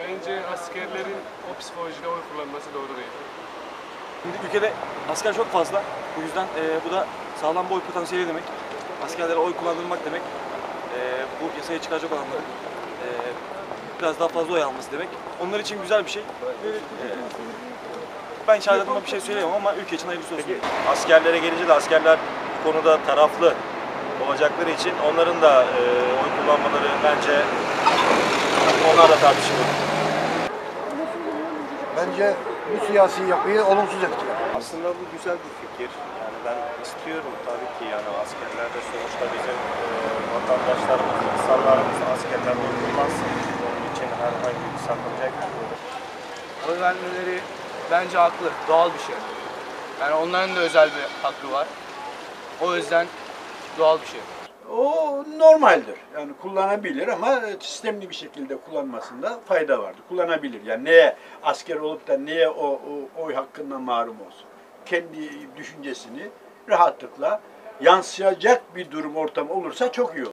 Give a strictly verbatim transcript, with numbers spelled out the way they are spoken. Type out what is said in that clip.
Bence askerlerin o psikolojide oy kullanması doğru değil. Şimdi ülkede asker çok fazla. Bu yüzden e, bu da sağlam bir oy potansiyeli demek. Askerlere oy kullandırmak demek. E, bu yasaya çıkaracak olanların e, biraz daha fazla oy alması demek. Onlar için güzel bir şey. E, ben şahit adıma bir şey söyleyemem ama ülke için hayırlısı olsun. Peki askerlere gelince de askerler bu konuda taraflı olacakları için onların da e, oy kullanmaları bence onlar da tartışılır. Bence bu siyasi yapıyı olumsuz etkiler. Aslında bu güzel bir fikir. Yani ben istiyorum tabii ki yani askerler de sonuçta bizim e, vatandaşlarımız, insanlarımız askerler oy kullansın. Onun için herhangi bir sakınca yok. Oy vermeleri bence haklı, doğal bir şey. Yani onların da özel bir hakkı var. O yüzden doğal bir şey. O normaldir. Yani kullanabilir ama sistemli bir şekilde kullanmasında fayda vardır. Kullanabilir. Yani neye asker olup da neye o, o oy hakkından mahrum olsun? Kendi düşüncesini rahatlıkla yansıyacak bir durum ortamı olursa çok iyi olur.